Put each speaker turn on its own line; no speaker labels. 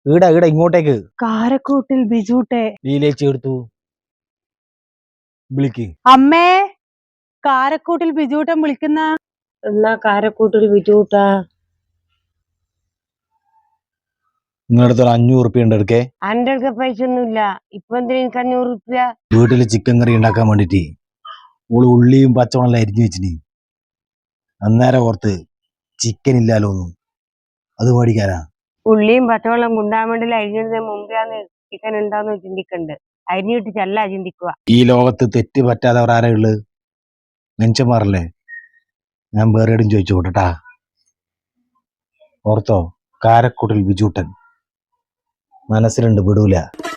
ഈടാ ഈടാ ഇങ്ങോട്ടേക്ക്.
കാരക്കൂട്ടിൽ ബിജൂട്ടെ.
ലീലേച്ചി എടുത്തു വിളിക്ക്.
അമ്മേ, കാരക്കൂട്ടിൽ ബിജൂട്ടൻ വിളിക്കുന്ന.
എന്നാ കാരക്കൂട്ടിൽ ബിജൂട്ടാ.
നിങ്ങളടുത്ത് 500 ഉറുപ്പ്യ ഉണ്ട് എടുക്കേ.
അന്റെ അടുക്ക പൈസ ഒന്നുമില്ല. ഇപ്പൊ എന്തിനാ എനിക്ക് 500 ഉറുപ്പ്യ?
വീട്ടില് ചിക്കൻ കറി ഉണ്ടാക്കാൻ വേണ്ടിട്ട് ഓള് ഉള്ളിയും പച്ചവെള്ളം അരിഞ്ഞു വെച്ചിന്. അന്നേരം ഓർത്ത് ചിക്കൻ ഇല്ലാലോന്നും, അത് മേടിക്കാനാ.
ഉള്ളിയും പച്ചവെള്ളം മുണ്ടാൻ വേണ്ടി അരിഞ്ഞിടുന്നതിന് മുമ്പാന്ന് ചിക്കൻ ഉണ്ടാന്ന് ചിന്തിക്കണ്ട്. അരിഞ്ഞിട്ട് ചെല്ല ചിന്തിക്കുക.
ഈ ലോകത്ത് തെറ്റ് പറ്റാത്തവർ ആരാ ഉള്ളത്? മനുഷ്യന്മാരല്ലേ. ഞാൻ വേറെ എവിടെയും ചോദിച്ചു കൂട്ടട്ടാ. ഓർത്തോ, കാരക്കൂട്ടിൽ ബിജൂട്ടൻ മനസ്സിലുണ്ട്, വിടൂല.